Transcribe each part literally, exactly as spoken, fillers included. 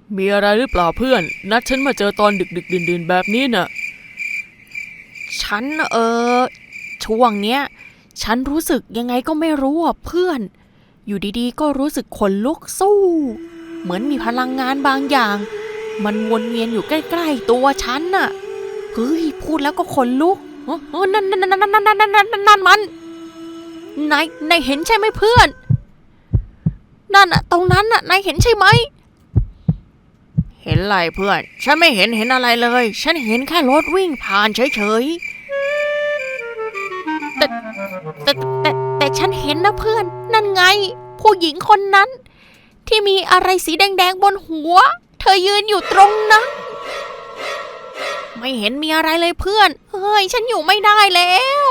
มีอะไรหรือเปล่าเพื่อนนัดฉันมาเจอตอนดึกดึกดื่นดื่นแบบนี้น่ะฉันเออช่วงเนี้ยฉันรู้สึกยังไงก็ไม่รู้อ่ะเพื่อนอยู่ดีๆก็รู้สึกขนลุกสู้เหมือนมีพลังงานบางอย่างมันวนเวียนอยู่ใกล้ๆตัวฉันน่ะเฮ้ยพูดแล้วก็ขนลุกเออนั่นนั่นนั่นนั่นนั่นนั่นนั่นนั่นมันนายนายเห็นใช่ไหมเพื่อนนั่นอะตรงนั้นอะนายเห็นใช่ไหมเห็นอะไรเพื่อนฉันไม่เห็นเห็นอะไรเลยฉันเห็นแค่รถวิ่งผ่านเฉยๆแต่แต่แต่แต่ฉันเห็นนะเพื่อนนั่นไงผู้หญิงคนนั้นที่มีอะไรสีแดงๆบนหัวเธอยืนอยู่ตรงนั้นไม่เห็นมีอะไรเลยเพื่อนเฮ้ยฉันอยู่ไม่ได้แล้ว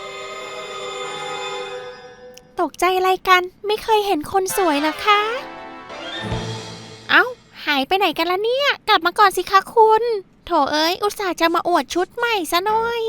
ตกใจอะไรกันไม่เคยเห็นคนสวยเหรอคะเอ้าหายไปไหนกันละเนี่ยกลับมาก่อนสิคะคุณโถเอ้ยอุตส่าห์จะมาอวดชุดใหม่ซะหน่อย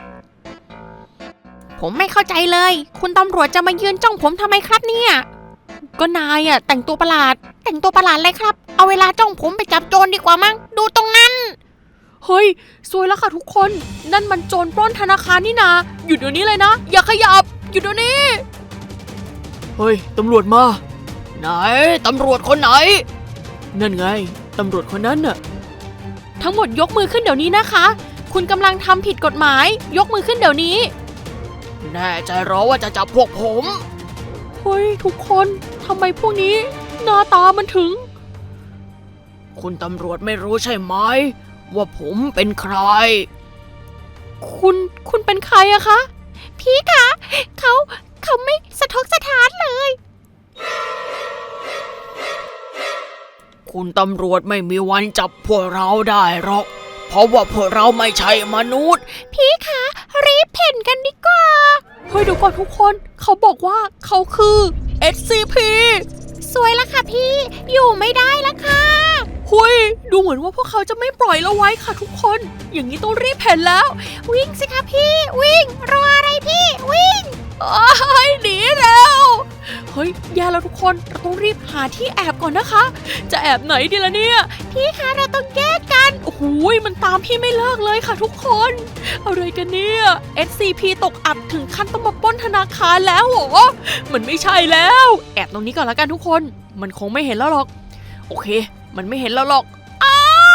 ผมไม่เข้าใจเลยคุณตำรวจจะมายืนจ้องผมทำไมครับเนี่ยก็นายอะแต่งตัวประหลาดแต่งตัวประหลาดเลยครับเอาเวลาจ้องผมไปจับโจรดีกว่ามั้งดูตรงนั้นเฮ้ยซวยแล้วค่ะทุกคนนั่นมันโจรปล้นธนาคารนี่นาหยุดเดี๋ยวนี้เลยนะอย่าขยับหยุดเดี๋ยวนี้เฮ้ยตำรวจมาไหนตำรวจคนไหนนั่นไงตำรวจคนนั้นน่ะทั้งหมดยกมือขึ้นเดี๋ยวนี้นะคะคุณกำลังทำผิดกฎหมายยกมือขึ้นเดี๋ยวนี้แน่ใจหรอว่าจะจับพวกผมเฮ้ยทุกคนทำไมพวกนี้หน้าตามันถึงคุณตำรวจไม่รู้ใช่ไหมว่าผมเป็นใครคุณคุณเป็นใครอะคะพี่คะเขาเขาไม่สะทกสะท้านเลยคุณตำรวจไม่มีวันจับพวกเราได้หรอกเพราะว่าพวกเราไม่ใช่มนุษย์พี่คะรีบเพ่นกันดีกว่าเฮ้ยเดี๋ยวก่อนทุกคนเขาบอกว่าเขาคือ เอส ซี พีสวยละค่ะพี่อยู่ไม่ได้ละค่ะเฮ้ยดูเหมือนว่าพวกเขาจะไม่ปล่อยเราไว้ค่ะทุกคนอย่างนี้ต้องรีบเพ่นแล้ววิ่งสิคะพี่วิ่งรออะไรพี่วิ่งโอ้ยหนีแล้วเฮ้ยแย่แล้วทุกคนเราต้องรีบหาที่แอบก่อนนะคะจะแอบไหนดีล่ะเนี่ยพี่คะเราต้องแยกกันโอ้โหมันตามพี่ไม่เลิกเลยค่ะทุกคนอะไรกันเนี่ย เอส ซี พี ตกอับถึงขั้นต้องมาปล้นธนาคารแล้วเหรอมันไม่ใช่แล้วแอบตรงนี้ก่อนแล้วกันทุกคนมันคงไม่เห็นแล้วหรอกโอเคมันไม่เห็นแล้วหรอกอ้า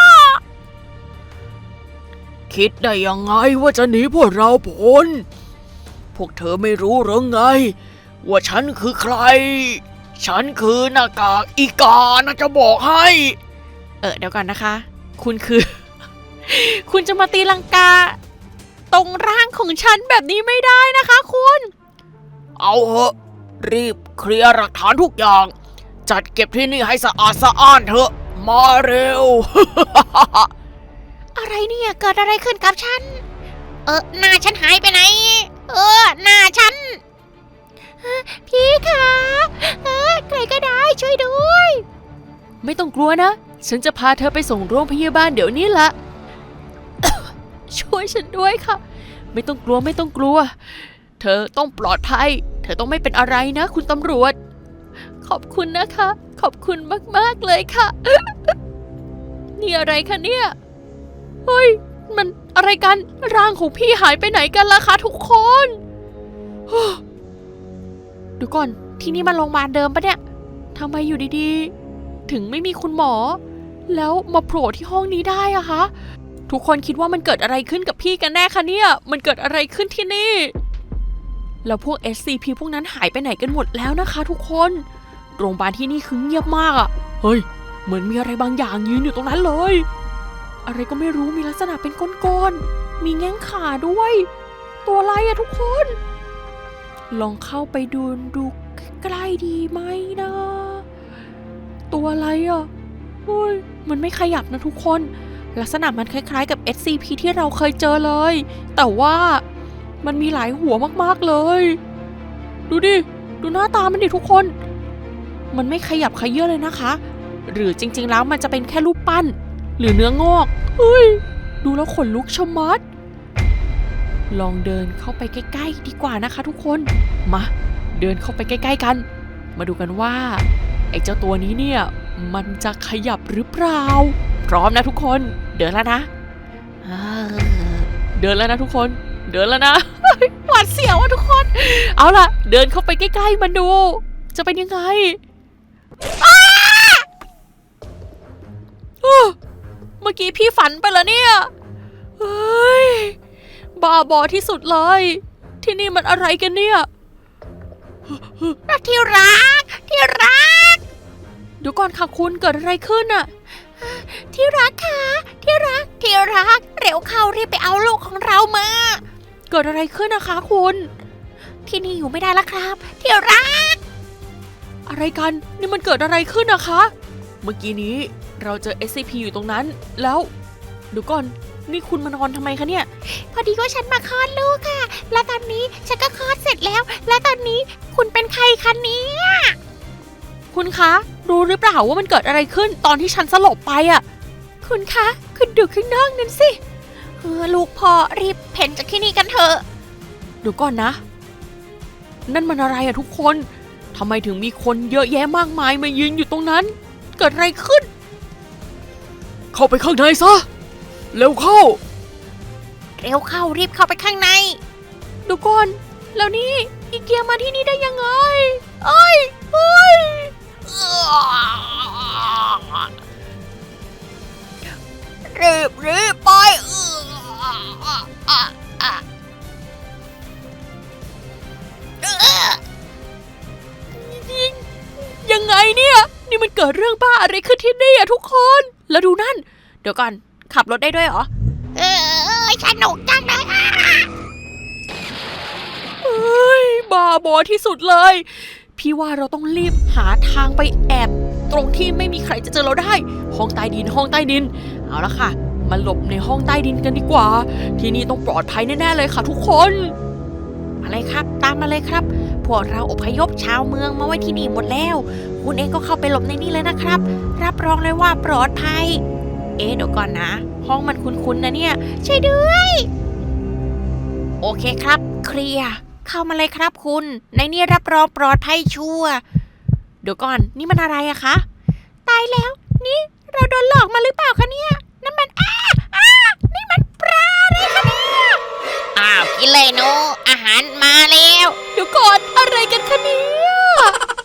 คิดได้ยังไงว่าจะหนีพวกเราพ้นพวกเธอไม่รู้หรือไงว่าฉันคือใครฉันคือหน้ากากอีกานะจะบอกให้เออเดี๋ยวก่อนนะคะคุณคือ คุณจะมาตีลังกาตรงร่างของฉันแบบนี้ไม่ได้นะคะคุณเอาเหอะรีบเคลียร์หลักฐานทุกอย่างจัดเก็บที่นี่ให้สะอาดสะอ้านเถอะมาเร็วอะไรเนี่ยเกิดอะไรขึ้นกับฉันเออหน้าฉันหายไปไหนเออหน้าฉันพี่คะเออใครก็ได้ช่วยด้วยไม่ต้องกลัวนะฉันจะพาเธอไปส่งโรงพยาบาลเดี๋ยวนี้ละ ช่วยฉันด้วยค่ะไม่ต้องกลัวไม่ต้องกลัวเธอต้องปลอดภัยเธอต้องไม่เป็นอะไรนะคุณตำรวจขอบคุณนะคะขอบคุณมากๆเลยค่ะ นี่อะไรคะเนี่ยเฮ้ยมันอะไรกันร่างของพี่หายไปไหนกันล่ะคะทุกคนเดี๋ยวก่อนที่นี่มันโรงพยาบาลเดิมปะเนี่ยทำไมอยู่ดีๆถึงไม่มีคุณหมอแล้วมาโผล่ที่ห้องนี้ได้อะคะทุกคนคิดว่ามันเกิดอะไรขึ้นกับพี่กันแน่คะเนี่ยมันเกิดอะไรขึ้นที่นี่แล้วพวก เอส ซี พี พวกนั้นหายไปไหนกันหมดแล้วนะคะทุกคนโรงพยาบาลที่นี่คือเงียบมากอะเฮ้ยเหมือนมีอะไรบางอย่างยืนอยู่ตรงนั้นเลยอะไรก็ไม่รู้มีลักษณะเป็นก้อนๆมีแง่งขาด้วยตัวอะไรอะทุกคนลองเข้าไปดูดูใกล้ๆดีไหมนะตัวอะไรอะเฮ้ยมันไม่ขยับนะทุกคนลักษณะมันคล้ายๆกับ เอส ซี พี ที่เราเคยเจอเลยแต่ว่ามันมีหลายหัวมากๆเลยดูดิดูหน้าตามันดิทุกคนมันไม่ขยับขยื่นเลยนะคะหรือจริงๆแล้วมันจะเป็นแค่รูปปั้นหรือเนื้องอกเฮ้ยดูแล้วขนลุกชะมัดลองเดินเข้าไปใกล้ๆดีกว่านะคะทุกคนมาเดินเข้าไปใกล้ๆกันมาดูกันว่าไอ้เจ้าตัวนี้เนี่ยมันจะขยับหรือเปล่าพร้อมนะทุกคนเดินแล้วนะเดินแล้วนะทุกคนเดินแล้วนะ หวาดเสียวอะทุกคนเอาล่ะเดินเข้าไปใกล้ๆมันดูจะเป็นยังไงเมื่อกี้พี่ฝันไปแล้วเนี่ยเฮ้ยบ้าบอที่สุดเลยที่นี่มันอะไรกันเนี่ยที่รักที่รักเดี๋ยวก่อนค่ะคุณเกิดอะไรขึ้นอะที่รักค่ะที่รักที่รักเร็วเข้ารีบไปเอาลูกของเรามาเกิดอะไรขึ้นนะคะคุณที่นี่อยู่ไม่ได้แล้วครับที่รักอะไรกันนี่มันเกิดอะไรขึ้นนะคะเมื่อกี้นี้เราเจอ เอส ซี พี อยู่ตรงนั้นแล้วเดี๋ยวก่อนนี่คุณมานอนทำไมคะเนี่ยพอดีว่าฉันมาคลอดลูกค่ะและตอนนี้ฉันก็คลอดเสร็จแล้วและตอนนี้คุณเป็นใครคะเนี่ยคุณคะรู้หรือเปล่าว่ามันเกิดอะไรขึ้นตอนที่ฉันสลบไปอ่ะคุณคะคุณดูข้างนอกนั้นสิเออลูกพ่อรีบเพ่นจากที่นี่กันเถอะเดี๋ยวก่อนนะนั่นมันอะไรอะทุกคนทำไมถึงมีคนเยอะแยะมากมายมายืนอยู่ตรงนั้นเกิดอะไรขึ้นเข้าไปข้างในซะเร็วเข้าเร็วเข้ารีบเข้าไปข้างในเดี๋ยวก่อนแล้วนี่อีเกียมาที่นี่ได้ยังไงเอ้ยเอ้ยรีบรีบไปยังไงเนี่ยนี่มันเกิดเรื่องบ้าอะไรขึ้นที่นี่อะทุกคนแล้วดูนั่นเดี๋ยวก่อนขับรถได้ด้วยเหรอเออสนุกจังเลยอ่ะเฮ้ยบ้าบอที่สุดเลยพี่ว่าเราต้องรีบหาทางไปแอบตรงที่ไม่มีใครจะเจอเราได้ห้องใต้ดินห้องใต้ดินเอาละค่ะมาหลบในห้องใต้ดินกันดีกว่าที่นี่ต้องปลอดภัยแน่ๆเลยค่ะทุกคนมาเลยครับตามมาเลยครับพวกเราอพยพชาวเมืองมาไว้ที่นี่หมดแล้วคุณเองก็เข้าไปหลบในนี่เลยนะครับรับรองเลยว่าปลอดภัยเอ๊ะเดี๋ยวก่อนนะห้องมันคุ้นๆนะเนี่ยช่วยด้วยโอเคครับเคลียร์เข้ามาเลยครับคุณในนี่รับรองปลอดภัยชัวร์เดี๋ยวก่อนนี่มันอะไรอะคะตายแล้วนี่เราโดนหลอกมาหรือเปล่าคะเนี่ยนั่นมันอ้าอ้านี่มันปลาอะไรคะเนี่ยอ้าวกินเลยหนูอาหารมาแล้วเดี๋ยวก่อนอะไรกันคะเนี่ย